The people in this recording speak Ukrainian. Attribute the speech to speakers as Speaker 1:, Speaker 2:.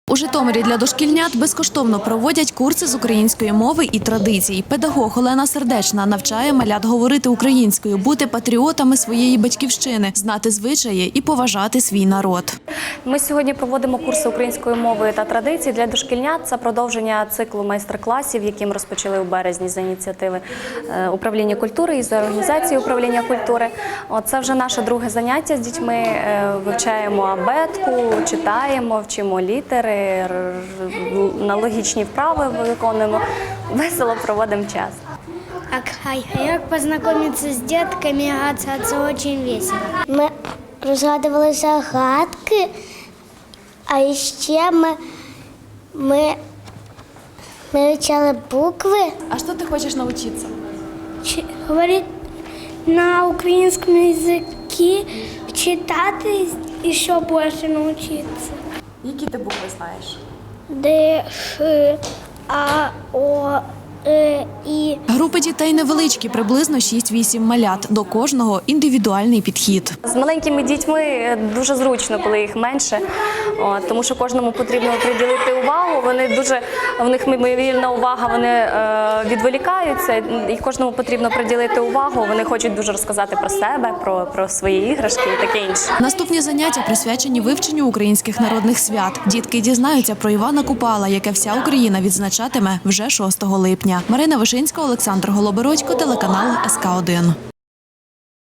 Speaker 1: У Житомирі для дошкільнят безкоштовно проводять курси з української мови і традицій. Педагог Олена Сердечна навчає малят говорити українською, бути патріотами своєї батьківщини, знати звичаї і поважати свій народ.
Speaker 2: Ми сьогодні проводимо курси української мови та традицій для дошкільнят. Це продовження циклу майстер-класів, які ми розпочали у березні за ініціативи управління культури і за організації управління культури. Це вже наше друге заняття з дітьми. Вивчаємо абетку, читаємо, вчимо літери, аналогічні вправи виконуємо. Весело проводимо час.
Speaker 3: А як познайомитися з дітками, це дуже весело. Ми розгадували загадки, а ще ми вивчали букви.
Speaker 1: А що ти хочеш навчитися?
Speaker 3: Говорити на українському язикі, читати і ще більше навчитися.
Speaker 1: Які ти букви знаєш?
Speaker 3: Д, Ш, А, О, І.
Speaker 1: Групи дітей невеличкі, приблизно 6-8 малят. До кожного індивідуальний підхід.
Speaker 2: З маленькими дітьми дуже зручно, коли їх менше, тому що кожному потрібно приділити увагу. В них мимовільна увага, вони відволікаються, і кожному потрібно приділити увагу. Вони хочуть дуже розказати про себе, про свої іграшки і таке інше.
Speaker 1: Наступні заняття присвячені вивченню українських народних свят. Дітки дізнаються про Івана Купала, яке вся Україна відзначатиме вже 6 липня. Марина Вишинська, Олександр Голобородько, телеканал СК1.